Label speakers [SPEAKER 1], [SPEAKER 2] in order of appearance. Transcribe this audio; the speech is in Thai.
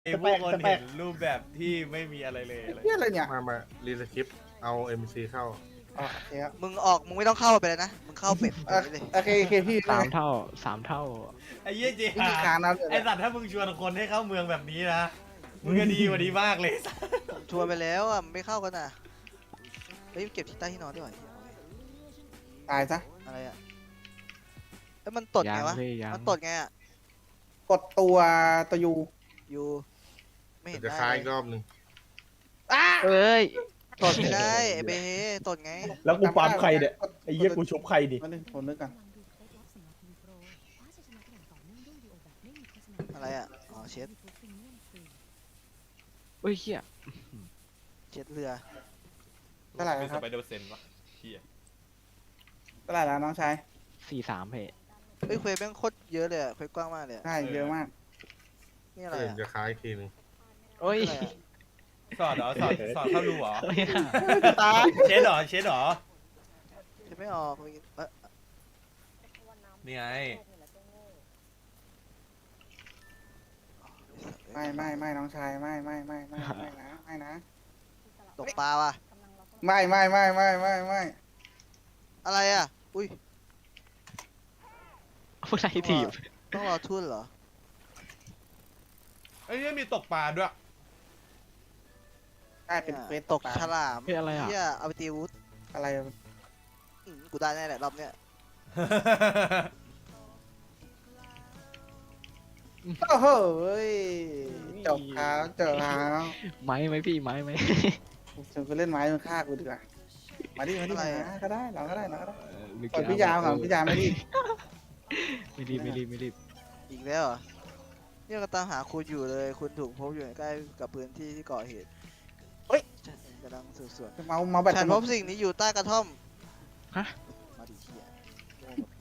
[SPEAKER 1] ไอ้พวกคนเห็นรูปแบบที่ไม่มีอะไรเลยอะไร
[SPEAKER 2] เฮียอะไรเนี่ย
[SPEAKER 3] มารีสคริปต์เอา MC เข้า
[SPEAKER 2] อ๋อโอเคครับ
[SPEAKER 4] มึงออกมึงไม่ต้องเข้าไปเลยนะมึงเข้าเป็ดไปเลย
[SPEAKER 2] โอเคโอเคพี่
[SPEAKER 5] สามเท่าสามเท่า
[SPEAKER 1] ไอ้เหี้ยเจี
[SPEAKER 2] วิธีการนั้น
[SPEAKER 1] ไอ้สัตว์ถ้ามึงชวนคนให้เข้าเมืองแบบนี้นะมึงก็ดีกว่านี้มากเลย
[SPEAKER 4] ผมชวนไปแล้วอ่ะมันไม่เข้ากันอ่ะเฮ้ยเก็บที่ใต้ที่นอนด้วย
[SPEAKER 2] ตายซะ
[SPEAKER 4] อะไรอ่ะเอ้ยมันตดไงวะ
[SPEAKER 5] ยังพี่ยัง
[SPEAKER 4] มันตดไงอ่ะ
[SPEAKER 2] กดตัวยู
[SPEAKER 4] อยู่ไม่เห็น
[SPEAKER 3] จะ
[SPEAKER 4] ได้
[SPEAKER 3] ค้ายอีก
[SPEAKER 4] เลย
[SPEAKER 3] รอบหนึ่ง
[SPEAKER 2] อ้า
[SPEAKER 5] เอ้ย
[SPEAKER 4] ตดไม่ได้ไอ้เบเฮตดไง
[SPEAKER 6] แล้วกูปั๊มใครเนี่ยไอ้เหี้ยกูชุบใครดิ
[SPEAKER 2] มาหนึ่งผมนึกกัน
[SPEAKER 4] อะไรอ่ะอ๋อเช็ด
[SPEAKER 5] เอ้ยเฮีย
[SPEAKER 4] เช็ดเรือ
[SPEAKER 2] เท่าไหร่
[SPEAKER 1] เป็น
[SPEAKER 2] ค
[SPEAKER 1] ส
[SPEAKER 2] รับ
[SPEAKER 1] ไปเดอร์เซนวะเหี้ย
[SPEAKER 2] เท่าไหร่แล้วน้องชาย
[SPEAKER 5] 43เพจ
[SPEAKER 4] เฮ้ยเควสแม่งโคตรเยอะเลยอะเควสกว้างมากเลยอะ
[SPEAKER 2] ใช่เยอะมาก
[SPEAKER 4] นี่อะไร
[SPEAKER 3] เดี๋ยว
[SPEAKER 4] อ่ะ
[SPEAKER 3] จะค้ายอีกทีหนึง
[SPEAKER 5] โอ้ย
[SPEAKER 4] อะไรอะ
[SPEAKER 1] สอดเหรอสอดเข้ารูเหรอ
[SPEAKER 5] โอ้ย
[SPEAKER 2] ตาย
[SPEAKER 1] เช็ดเหรอเช็ดเหรอ
[SPEAKER 4] เช็ดไม่ออกเอ้ย
[SPEAKER 1] นี่ไง
[SPEAKER 2] ไม่น้องชายไม่นะไม่นะ
[SPEAKER 4] ตกปลาว่ะ
[SPEAKER 2] ไม่
[SPEAKER 4] อะไรอ่ะอุ้ย
[SPEAKER 5] ผู้ใดถีบ
[SPEAKER 4] ต้องรอทุ่นเหรอ
[SPEAKER 1] ไอ้เนี่ยมีตกปลาด้วย
[SPEAKER 2] ใช่เป็นเควส
[SPEAKER 4] ตกฉลาม
[SPEAKER 5] เฮ้ยอะไรอ่ะ
[SPEAKER 4] เฮียเอาไปตีอาวุธ
[SPEAKER 2] อะไร
[SPEAKER 4] กูได้แน่แหละรอบเนี้ย
[SPEAKER 2] โอ้โหจบครับจบครับ
[SPEAKER 5] ไม้ไหมพี่ไม้ไหม
[SPEAKER 2] ฉันไปเล่นไม้มันฆ่ากูดีกว่ามาดินะก็ได้เราก็ได้
[SPEAKER 5] หรือ
[SPEAKER 2] ก่อนพี่ยามก่อนพี่ยามไม่ดิ
[SPEAKER 5] ไม่รีบไม่รีบไม่รีบ
[SPEAKER 4] อีกแล้วเหรอเนี่ยก็ตามหาคุณอยู่เลย คุณถูกพบอยู่ใกล้กับพื้นที่ที่ก่อเหตุฉันกำลังสืบสวน
[SPEAKER 2] เมาแบบ
[SPEAKER 4] ฉันพบสิ่งนี้อยู่ใต้กระท่อม
[SPEAKER 5] ฮะ
[SPEAKER 4] มาดิเฮีย